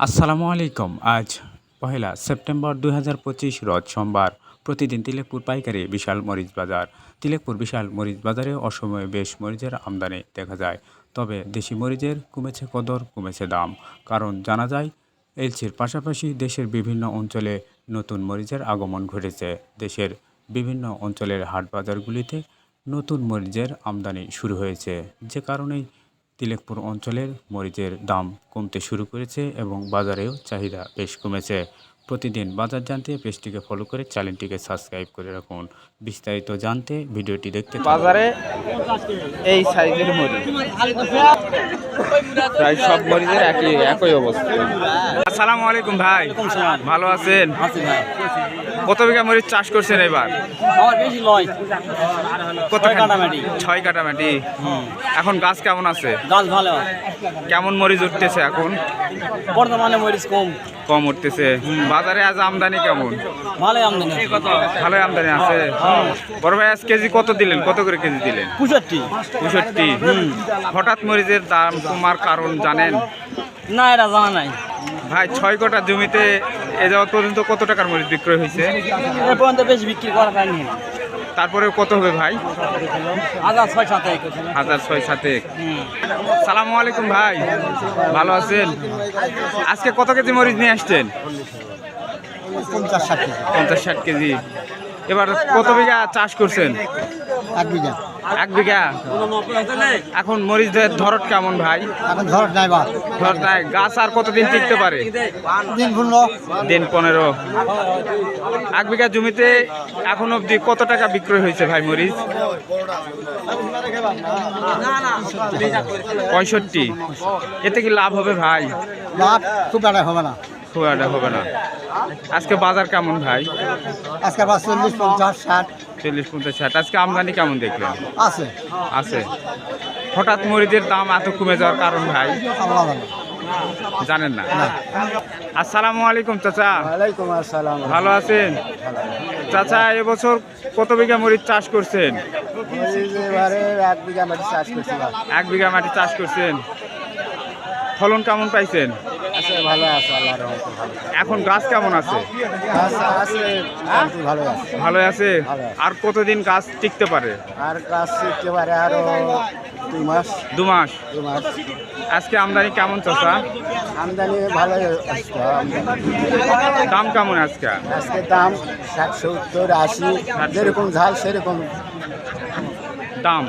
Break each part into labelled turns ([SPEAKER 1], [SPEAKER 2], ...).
[SPEAKER 1] আসসালামু আলাইকুম। আজ পহেলা সেপ্টেম্বর ২০২৫ রোজ সোমবার। প্রতিদিন তিলেকপুর পাইকারি বিশাল মরিচ বাজার। তিলেকপুর বিশাল মরিচ বাজারে অসময়ে বেশ মরিচের আমদানি দেখা যায়। তবে দেশি মরিচের কমেছে কদর, কমেছে দাম। কারণ জানা যায় এলচির পাশাপাশি দেশের বিভিন্ন অঞ্চলে নতুন মরিচের আগমন ঘটেছে। দেশের বিভিন্ন অঞ্চলের হাট বাজারগুলিতে নতুন মরিচের আমদানি শুরু হয়েছে, যে কারণেই তিলেকপুর অঞ্চলের মরিচের দাম কমতে শুরু করেছে এবং বাজারেও চাহিদা বেশ কমেছে। প্রতিদিন বাজার জানতে পেজটিকে ফলো করে চ্যানেলটিকে সাবস্ক্রাইব করে রাখুন। বিস্তারিত জানতে ভিডিওটি দেখতে থাকুন।
[SPEAKER 2] বাজারে এই সাইজের মরিচ প্রায় সব মরিচের একই অবস্থা। আসসালামু আলাইকুম ভাই, ভালো আছেন? কত বিঘা মরিচ চাষ করছেন এবার? কত কাটামাটি? 6 কাটামাটি। এখন গাছ কেমন আছে?
[SPEAKER 3] গাছ ভালো।
[SPEAKER 2] কেমন মরিচ উঠতেছে এখন?
[SPEAKER 3] বর্তমানে মরিচ
[SPEAKER 2] কম উঠতেছে। বাজারে আজ আমদানি কেমন?
[SPEAKER 3] ভালোই আমদানি।
[SPEAKER 2] ভালোই আমদানি আছে। বড় ভাই আজ কেজি কত দিলেন? কত করে কেজি দিলেন? 65। হঠাৎ মরিচের দাম কমার কারণ জানেন?
[SPEAKER 3] না, এটা জানা নাই
[SPEAKER 2] ভাই। 6 কাঠা জমিতে এ যাওয়া পর্যন্ত কত টাকার মরিচ বিক্রয় হয়েছে?
[SPEAKER 3] এ পর্যন্ত বেশি বিক্রি করা যায়নি।
[SPEAKER 2] তারপরে কত হবে ভাই?
[SPEAKER 3] 1,600-7,000।
[SPEAKER 2] সালামু আলাইকুম ভাই, ভালো আছেন? আজকে কত কেজি মরিচ নিয়ে আসছেন? 50-60 কেজি। এবার কত বিঘা চাষ করছেন? 1 বিঘা। এখন মরিচের ধরত কেমন ভাই?
[SPEAKER 4] এখন ধরত নাই বা
[SPEAKER 2] ধরত নাই। গাছ আর কতদিন টিকতে পারে? দিন 15। 1 বিঘা জমিতে এখন অবধি কত টাকা বিক্রয় হয়েছে ভাই মরিচ? 65। এতে কি লাভ হবে ভাই?
[SPEAKER 4] লাভ খুব একটা হবে না।
[SPEAKER 2] খুব একটা হবে না। আজকে বাজার কেমন ভাই?
[SPEAKER 4] আজকে আবার 40, 50, 60
[SPEAKER 2] 40, 50, 60। আজকে আমদানি কেমন দেখলেন?
[SPEAKER 4] আছে।
[SPEAKER 2] আছে। হঠাৎ মরিচের দাম এত কমে যাওয়ার কারণ ভাই
[SPEAKER 4] আল্লাহ জানে।
[SPEAKER 2] জানেন না? আসসালামু আলাইকুম চাচা।
[SPEAKER 4] ওয়ালাইকুম আসসালাম।
[SPEAKER 2] ভালো আছেন? চাচা এবছর কত বিঘা মরিচ চাষ করছেন?
[SPEAKER 4] এবারে 1 বিঘা মাটি চাষ করছি।
[SPEAKER 2] 1 বিঘা মাটি চাষ করছেন। ফলন কেমন পাইছেন?
[SPEAKER 4] আছে, ভালো আছে, আল্লাহর রহমতে ভালো।
[SPEAKER 2] এখন গাছ কেমন আছে?
[SPEAKER 4] আছে, ভালো আছে।
[SPEAKER 2] ভালো আছে। আর কতদিন গাছ টিকতে পারে?
[SPEAKER 4] আর গাছ একেবারে আরো 2 মাস।
[SPEAKER 2] 2 মাস।
[SPEAKER 4] 2 মাস।
[SPEAKER 2] আজকে আমদানি কেমন চাচা?
[SPEAKER 4] আমদানি ভালো আসছে।
[SPEAKER 2] দাম কেমন আজকে?
[SPEAKER 4] আজকে দাম 60, 70, 80, যেরকম ঝাল সেরকম
[SPEAKER 2] দাম।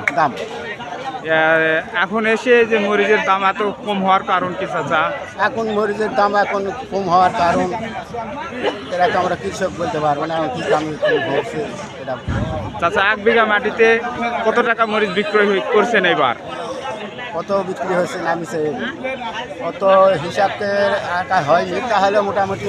[SPEAKER 2] এখন এসে যে মরিচের দাম এত কম হওয়ার কারণ কি চাচা?
[SPEAKER 4] এখন মরিচের দাম এখন কম হওয়ার কারণ এটা তো আমরা কৃষক বলতে পারবো না কি দাম কম হচ্ছে এটা।
[SPEAKER 2] চাচা 1 বিঘা মাটিতে কত টাকা মরিচ বিক্রয় করছেন এবার?
[SPEAKER 4] কত বিক্রি হয়েছে নামিছে কত হিসাবে আঁকা হয়নি, তাহলে মোটামুটি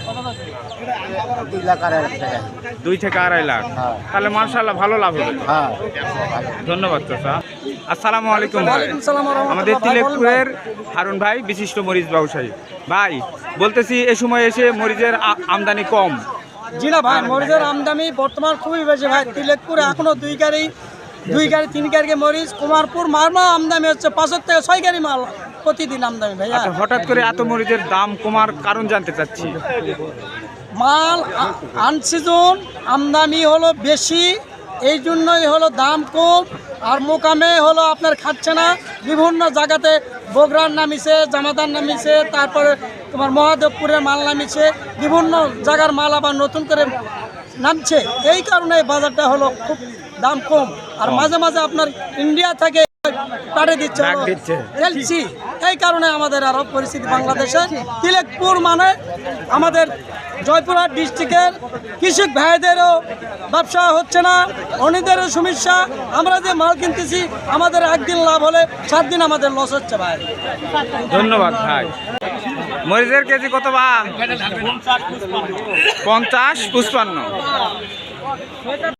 [SPEAKER 4] 2 লাখ 2.5 লাখ টাকা।
[SPEAKER 2] 2 থেকে 2.5 লাখ।
[SPEAKER 4] হ্যাঁ।
[SPEAKER 2] তাহলে মাশাআল্লাহ ভালো লাভ হবে।
[SPEAKER 4] হ্যাঁ,
[SPEAKER 2] ধন্যবাদ চাচা। আসসালামু আলাইকুম ভাই। আমাদের তিলেকপুরের হারুন ভাই বিশিষ্ট মরিচ ব্যবসায়ী ভাই, বলতেছি এ সময় এসে মরিচের আমদানি কম।
[SPEAKER 3] জি না ভাই, মরিচের আমদানি বর্তমান খুবই বেশি ভাই। তিলেকপুরে এখনো 2 গাড়ি 3 গাড়ি মরিচ। কুমারপুর মালমা আমদানি হচ্ছে 5 থেকে 6 গাড়ি মাল প্রতিদিন আমদানি ভাই।
[SPEAKER 2] আচ্ছা, হঠাৎ করে এত মরিচের দাম কমার কারণ জানতে চাচ্ছি।
[SPEAKER 3] মাল আনসিজন আমদানি হলো বেশি, এই জন্যই হলো দাম কম। আর মোকামে হলো আপনার খাচ্ছে না। বিভিন্ন জায়গাতে বগুড়ার নামিছে, জামাদার নামিছে, তারপরে তোমার মহাদেবপুরের মাল নামিছে, বিভিন্ন জায়গার মাল আবার নতুন করে নামছে। এই কারণে বাজারটা হলো খুব দাম কম। আর মাঝে মাঝে আপনার ইন্ডিয়া থেকে পাঠিয়ে দিচ্ছে এলসি। এই কারণে আমাদের আরো পরিস্থিতি বাংলাদেশে তিলেকপুর মানে আমাদের জয়পুরহাট ডিস্ট্রিক্টের কৃষক ভাইদেরও ব্যবসা হচ্ছে না, অন্যদেরও সমস্যা। আমরা যে মাল কিনতেছি আমাদের একদিন লাভ হলে 7 দিন আমাদের লস হচ্ছে ভাই।
[SPEAKER 2] ধন্যবাদ ভাই। মরিচের কেজি কত বা? 50, 55।